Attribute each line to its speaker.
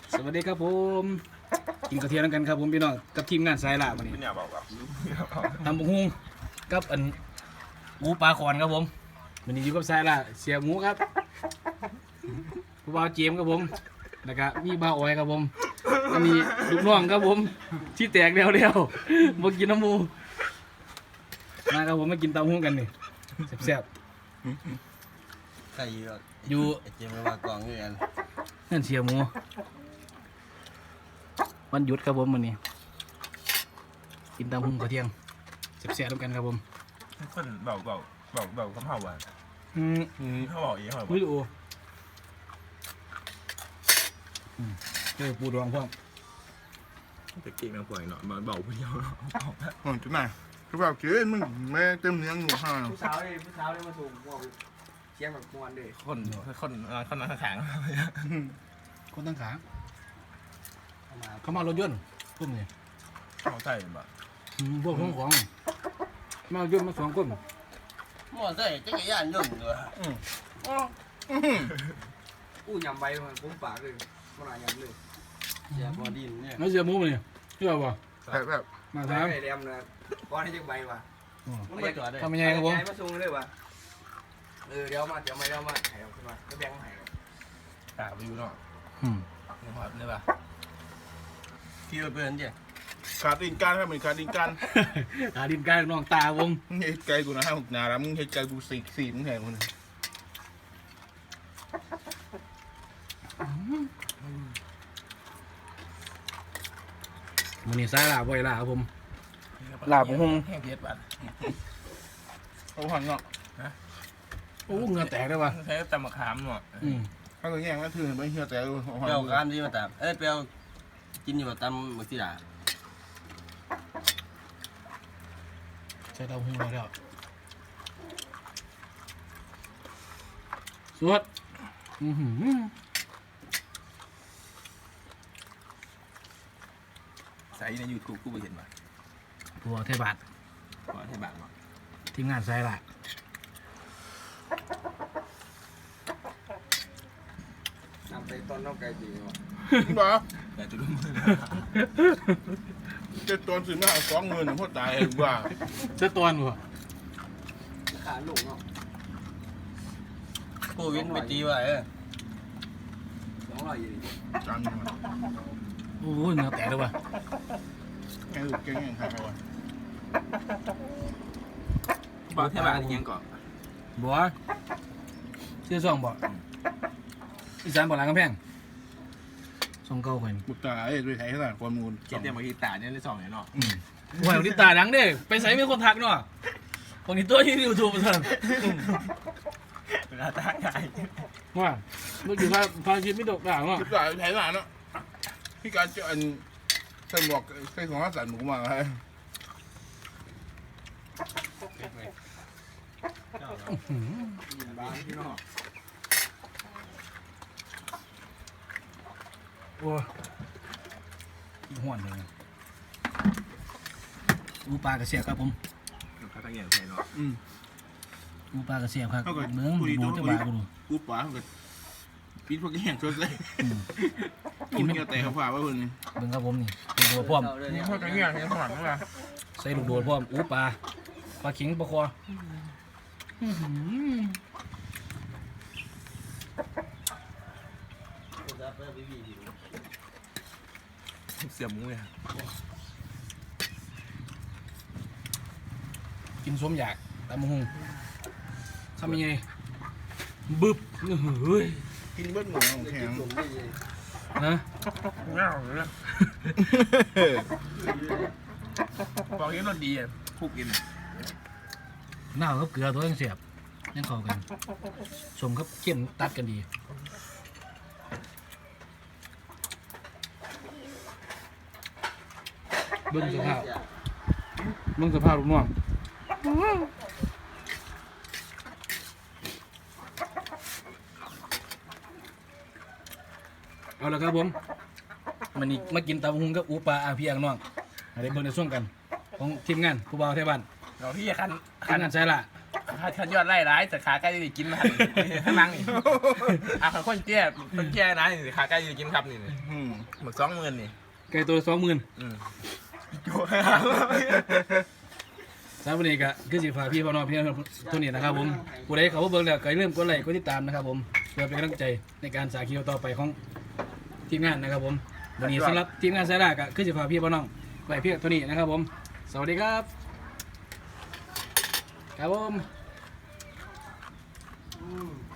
Speaker 1: สวัสดีครับผมกินกระเทียมกันครับผมพี่น้องกับทีมงานสายล่าวันนี้
Speaker 2: ไม่เนี่ยบอกแบบ
Speaker 1: ทำบุกฮุงกับหมูปลาคอนครับผมวันนี้อยู่กับสายล่าเสียหมูครับผู้บ่าวเจมส์ครับผมแล้วก็มีบ่าวอ้อยครับผมอันนี้ลูกน้องครับผมที่แตกแล้วมากินน้ำหมูมาครับผมมากินตำฮุงกันนี่แซ่บ
Speaker 3: ใครอยู่
Speaker 1: ๆอยู่
Speaker 3: ไอ้เจมส์มากองเงิน
Speaker 1: นั่นเสียหมูวันหยุดครับผมวันนี้กินตำฮุงกระเทียมแซ่บๆด้วยกันครับผม
Speaker 2: คนบอกคำเผาอ่ะเขาบอกอีกเขาบอก
Speaker 1: วิดีโอปูดองพ่อ
Speaker 2: ตะกี้แม่งป่วยเนาะมาบอกผู้เดียวเนาะ
Speaker 4: โอ้ยจุดไหนคือแบบเกินมึงแม่เต็มเนื้อหนูห่า
Speaker 5: ผู้สาวเลยมาส่งว่าเชียงแบบมวนเลย
Speaker 2: คนนั่งแข็ง
Speaker 1: คนตั้งขาเขามารถยนต์พวกนี้
Speaker 2: เขาใส่แบบ
Speaker 1: พวกของมารถยนต์มา2 คน
Speaker 3: หมอใส่จักรยานยนต์ด้วย
Speaker 5: อู้ยำใบมันปุ้มปากเลยมันอะไรยำเลย
Speaker 3: เสียบอดินเนี่ย
Speaker 1: ไม่เสียหมูนี่เชื่อป่ะ
Speaker 4: แบบ
Speaker 1: มา
Speaker 5: ใบ
Speaker 1: ถาม
Speaker 5: ไอ้แดมนะก้อนให้จักใบว่ะ
Speaker 3: มันไม่จอดได้
Speaker 1: ทำยังไงครับผม
Speaker 5: มาส่งเลยว่ะเดี๋ยวมาไข่ออกขึ้นมาก็แบ่งไข่
Speaker 2: ตาไปอยู่เนาะนี่ครับนี่ป่ะ
Speaker 3: ที่เราเป็นเนี่ย
Speaker 4: ขาดดินการครับเหมือนขาดดินการ
Speaker 1: อาดินกายน้องตาวง
Speaker 4: มึงเฮ็ดไกลกูนะให้หกนาแล้วมึงเฮ็ดไกลกูสี่มึงแหงมึง
Speaker 1: มันนี่สายลาบ่อยลาครับผม
Speaker 2: แห้งเพียรบัด
Speaker 4: เอาหันเนาะ
Speaker 1: โอ้เงือแตกได้ป่ะ
Speaker 2: ใช้ตำมะขามเนาะ
Speaker 4: ถ้าเกิดแย่งก็ถือไม่เฮียแต่เอาหัน
Speaker 3: เปรี้ยวกามที่มาตามเปรี้ยวกินอยู่มาตามมือที่ด่า
Speaker 1: ใช้เตาหูแล้วสวดหือ
Speaker 2: ใส่ในยูทูบกูไปเห็นป่ะ
Speaker 1: ตัวเทบาท
Speaker 2: ก่อนให้บาทมา
Speaker 1: ทีมงานสายลา
Speaker 5: นำไปต้นน้องไก่ดีว่ะ
Speaker 4: มึงบอก
Speaker 2: แต่จุดมือ
Speaker 4: จะตอนสื่อหน้า20,000พ่อตายว่า
Speaker 1: เจ้าตัวหนู
Speaker 5: ขาหลงเนาะ
Speaker 3: ผู้วินไปตีไว้
Speaker 5: 200อยู่
Speaker 4: จัง
Speaker 1: โอ้เงือแตกได้ป่ะ
Speaker 4: ไงลูกเก่งยังไงวะ
Speaker 2: บอกให้บาทยังก่อน
Speaker 1: บัวเชื่อซ่องบ่อีสานบ่หลังกำแพงซ่องเก่าคน
Speaker 4: บุตรตายด้วยไทยขนาดความมูล
Speaker 2: เจ็ดเดียวมาทีตาเนี่ยได้สองเนี่ยเนาะ
Speaker 1: หวยที่ตาดังเด้ไปใส่มีคนทักเนาะคนนี้ตัวที่ยูทูบสั่น
Speaker 2: เวลาตาใหญ่
Speaker 1: ว่าเมื่อกี้พาคิดไม่ตกด่างเนาะ
Speaker 4: บุตรตายไทยขนาดเนาะพี่การจะอันใส่หมวกใส่ของสันหมูมาให้
Speaker 5: บ้านพี่น้อง
Speaker 1: โอ้ยห่วนเลยอูปลากระเสียบครับผม
Speaker 2: เขาตั้งใหญ่ใส่เนาะ
Speaker 1: อูปลากระเสียบครับเมืองดูจะบากูดู
Speaker 4: กูป๋าเขาก็ปิดพวกแห้งช่วยเลยกินเงี้ยแต่เขาฝ่าว่าเพิ่น
Speaker 1: เบิ่งครับผมนี่ลูกโดดพร้อม
Speaker 2: นี่เขาตั้งใหญ่ใส่หมอนมั้งล่ะ
Speaker 1: ใส่ลูกโดดพร้อมอูปลาขิงปลาคอ
Speaker 2: เสียบมุ้งเลย
Speaker 1: กินส้มอยากตำมะฮุงทำยังไงบึบเฮ้ย
Speaker 4: กินเบิ้ลหมูของแข็ง
Speaker 1: นะ
Speaker 2: เงาเลยบอกยังรสดีอ่ะคุกกิน
Speaker 1: หน้ากับเกลือตัวยังเสียบยังเข้ากันสมกับเข้มตัดกันดีเบิ่งสภาพลูกน้องเอาละครับผมมันนี่มากินตำบักหุงกับอูปลาอาพี่อังน้องอะไรเบิ่งในช่วงกันของทีมงานผู้บ่าวไทยบ้าน
Speaker 2: เราพี่คัน
Speaker 1: ทีมงานใช่ละ
Speaker 5: ขันยอดไล่ร้ายแต่ขาใกล้จะกินมาข้างล่างนี่คนเจี๊ยนะนี่ขาใกล้จะกินครับนี่หมึก20,000นี่
Speaker 1: ไก่ตัวละ20,000 สามวันนี้ก็คือสิฝากพี่น้องพี่น้องทุกนี้นะครับผมผู้ใดเขาเบิ่งแล้วก็อย่าลืมกดไลค์กดติดตามนะครับผมเพื่อเป็นกำลังใจในการสาคิวต่อไปของทีมงานนะครับผมวันนี้สำหรับทีมงานสายลากก็คือสิฝากพี่น้องไว้เพียงเท่านี้นะครับผมสวัสดีครับครับผม